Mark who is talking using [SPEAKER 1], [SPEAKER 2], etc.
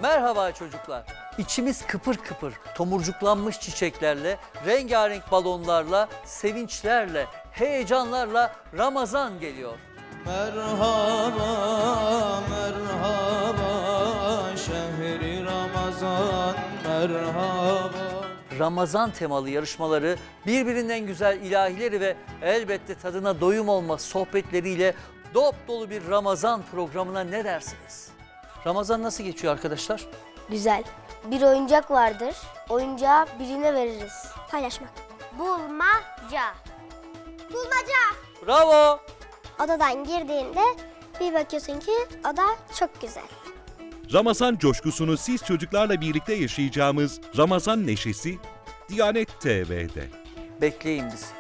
[SPEAKER 1] Merhaba çocuklar. İçimiz kıpır kıpır, tomurcuklanmış çiçeklerle, rengarenk balonlarla, sevinçlerle, heyecanlarla Ramazan geliyor.
[SPEAKER 2] Merhaba, merhaba, şehri Ramazan, merhaba.
[SPEAKER 1] Ramazan temalı yarışmaları, birbirinden güzel ilahileri ve elbette tadına doyum olmaz sohbetleriyle dop dolu bir Ramazan programına ne dersiniz? Ramazan nasıl geçiyor arkadaşlar?
[SPEAKER 3] Güzel. Bir oyuncak vardır. Oyuncağı birine veririz. Paylaşmak. Bulmaca. Bulmaca.
[SPEAKER 1] Bravo!
[SPEAKER 3] Odadan girdiğinde bir bakıyorsun ki oda çok güzel.
[SPEAKER 4] Ramazan coşkusunu siz çocuklarla birlikte yaşayacağımız Ramazan Neşesi Diyanet TV'de.
[SPEAKER 1] Bekleyin bizi.